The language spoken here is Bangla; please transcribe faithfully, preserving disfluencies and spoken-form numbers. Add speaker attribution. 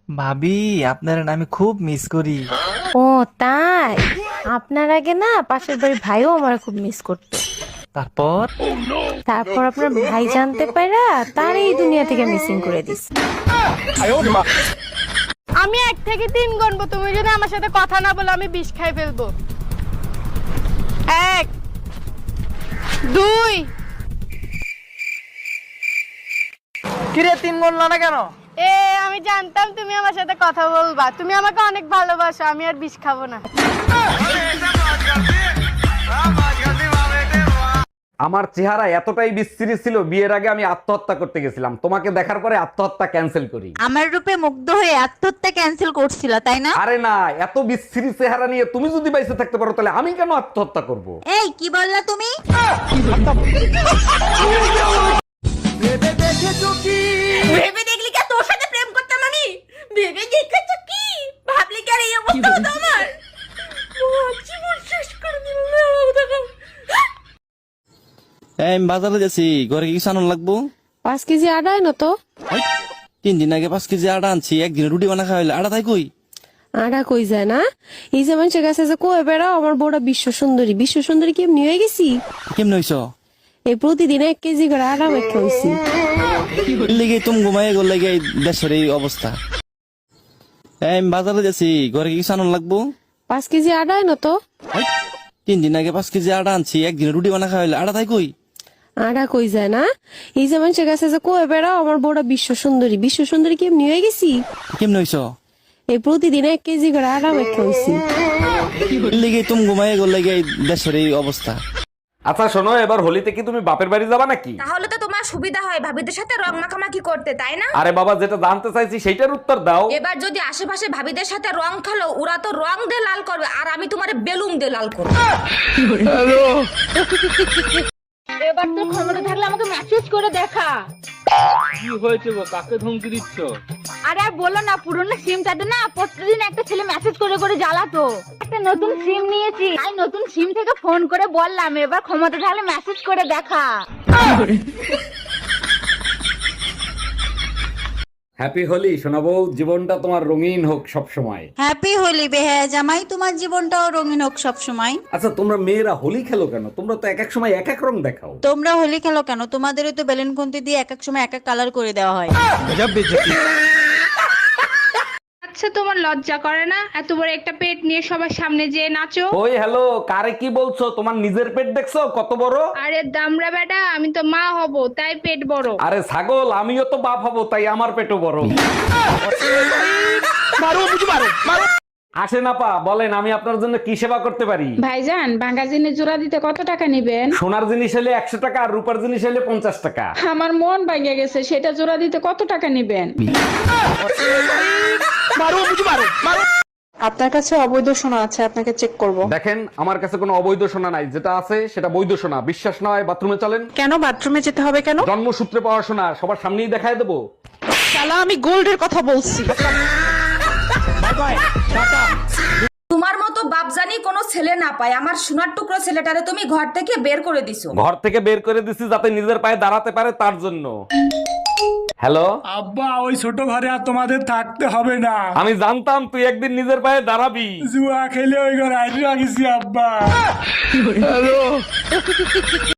Speaker 1: ভাবি, আপনার না আমি খুব মিস করি।
Speaker 2: ও তাই? আপনার আগে না পাশের বাড়ির ভাইও আমার খুব মিস করতো।
Speaker 1: তারপর
Speaker 2: তারপর আপনার ভাই জানতে পারা তার এই দুনিয়া থেকে মিসিং করে দিস।
Speaker 3: আমি এক থেকে তিন গুনবো, তুমি যদি আমার সাথে কথা না বলো আমি বিষ খাই ফেলবো। এক, দুই।
Speaker 1: কিরে তিন গুনলা না কেন?
Speaker 3: এ আমি জানতাম তুমি আমার সাথে কথা বলবা, তুমি আমাকে অনেক ভালোবাসো, আমি আর বিষ খাবো না।
Speaker 4: আমার চেহারা এতটাই বিশ্রী ছিল, বিয়ের আগে আমি আত্মহত্যা করতে গেছিলাম। তোমাকে দেখার পরে আত্মহত্যা ক্যান্সেল করি।
Speaker 5: আমার রূপে মুগ্ধ হয়ে আত্মহত্যা ক্যান্সেল করছিল তাই না?
Speaker 4: আরে না, এত বিশ্রী চেহারা নিয়ে তুমি যদি বাইসে থাকতে পারো তাহলে আমি কেন আত্মহত্যা করব?
Speaker 5: এই কি বললা তুমি? ভেবে দেখলি কি তোর সাথে প্রেম করতাম আমি? ভেবে দেখেছো কি? ভাবলি কি আর এই অবস্থা হতো আমার? জীবন শেষ করে দিল।
Speaker 6: এই আমি বাজারে যাচ্ছি, ঘরে কি কিছু আনার লাগবো?
Speaker 2: পাঁচ কেজি আটা আনো তো।
Speaker 6: এই, তিন দিন আগে পাঁচ কেজি আটা আনছি, একদিনে রুটি বানা খাওয়াইলে আটা তাই কই?
Speaker 2: আটা কই যায় না? এই যে মানুষের কাছে যে কয়ে বেড়াও আমার বউটা বিশ্ব সুন্দরী, বিশ্ব সুন্দরী কেমনি হয়ে গেছি?
Speaker 6: কেমনে হইছ?
Speaker 2: এই প্রতিদিন এক কেজি করে আটা মেখে হয়েছি।
Speaker 6: লেগে তুমি ঘুমাই গেল লেগে এই দেশের এই অবস্থা। এই আমি বাজারে যাচ্ছি, ঘরে কি কিছু আনার লাগবো?
Speaker 2: পাঁচ কেজি আটা আনো তো।
Speaker 6: এই, তিন দিন আগে পাঁচ কেজি আটা আনছি, একদিনে রুটি বানা খাওয়াইলে আটা তাই কই?
Speaker 2: আটা কই যায় না? এই যে মানুষের কাছে যে কয়ে বেড়াও আমার বউটা বিশ্ব সুন্দরী, বিশ্ব সুন্দরী কেমনি হয়ে গেছি?
Speaker 6: কেমনে হইছ?
Speaker 2: এই প্রতিদিন এক কেজি করে আটা মেখে হয়েছি।
Speaker 6: লেগে তুমি ঘুমাই গেল লেগে এই দেশের এই অবস্থা।
Speaker 4: আচ্ছা শোনো, এবার হোলিতে কি তুমি বাপের বাড়ি যাবা নাকি?
Speaker 5: তাহলে তো তোমার সুবিধা হয় ভাবিদের সাথে রং মাখামাখি করতে, তাই না?
Speaker 4: আরে বাবা, যেটা জানতে চাইছি সেইটার উত্তর দাও।
Speaker 5: এবার যদি আশেপাশে ভাবিদের সাথে রং খেলো, ওরা তো রং দিয়ে লাল করবে আর আমি তোমার বেলুন দিয়ে লাল করবো।
Speaker 3: এবার তো ক্ষমতা থাকলে আমাকে মেসেজ করে দেখা।
Speaker 7: কি হয়েছে গো, কাকে ধমকি দিচ্ছ?
Speaker 3: আরে আর বলো না, পুরনো সিমটাতে না প্রতিদিন একটা ছেলে মেসেজ করে করে জ্বালাতো। একটা নতুন সিম নিয়েছি, তাই নতুন সিম থেকে ফোন করে বললাম এবার ক্ষমতা থাকলে মেসেজ করে দেখা।
Speaker 4: হ্যাপি হোলি শোনাবো, জীবনটা তোমার রঙিন হোক সব সময়।
Speaker 5: হ্যাপি হোলি বেহায়া জামাই, তোমার জীবনটাও রঙিন হোক সব সময়।
Speaker 4: আচ্ছা তোমরা মেয়েরা হোলি খেলো কেন? তোমরা তো এক এক সময় এক এক রং দেখাও।
Speaker 5: তোমরা হোলি খেলো কেন? তোমাদেরও তো বেলুন খুন্তি দিয়ে এক এক সময় এক এক কালার করে দেওয়া হয়।
Speaker 3: আচ্ছা তোমার লজ্জা করে না এত বড় একটা পেট নিয়ে সবার সামনে যেয়ে নাচো?
Speaker 4: ওই হ্যালো, কারে কি বলছো? তোমার নিজের পেট দেখছো কত বড়?
Speaker 3: আরে দামড়া বেটা, আমি তো মা হব তাই পেট বড়।
Speaker 4: আরে ছাগল, আমিও তো বাপ হবো তাই আমার পেটও বড়। আসেন আপা, বলেন আমি আপনার জন্য কি সেবা করতে পারি?
Speaker 8: ভাইজান, ভাঙা জিনিস জোড়া দিতে কত টাকা নিবেন?
Speaker 4: সোনার জিনিস হলে একশো টাকা আর রূপার জিনিস হলে পঞ্চাশ টাকা।
Speaker 8: আমার মন ভাঙে গেছে, সেটা জোড়া দিতে কত টাকা নিবেন? আপনার কাছে অবৈধ সোনা আছে, আপনাকে চেক করব।
Speaker 4: দেখেন, আমার কাছে কোনো অবৈধ সোনা নাই, যেটা আছে সেটা বৈধ সোনা। বিশ্বাস নয় বাথরুমে চলেন।
Speaker 8: কেন বাথরুমে যেতে হবে কেন?
Speaker 4: জন্মসূত্রে পাওয়া সোনা, সবার সামনেই দেখায় দেবো।
Speaker 8: শালা, আমি গোল্ডের কথা বলছি।
Speaker 5: তোমার মতো বাপজানি কোনো ছেলে না পায়, আমার সোনার টুকরো ছেলেটারে তুমি ঘর থেকে বের করে দিছো।
Speaker 4: ঘর থেকে বের করে দিছি যাতে নিজের পায়ে দাঁড়াতে পারে, তার জন্য। হ্যালো
Speaker 7: আব্বা, ওই ছোট ঘরে আর তোমাদের থাকতে হবে না।
Speaker 4: আমি জানতাম তুই একদিন নিজের পায়ে দাঁড়াবি।
Speaker 7: জুয়া খেলে ওই ঘরে আইডিয়া গেছি আব্বা।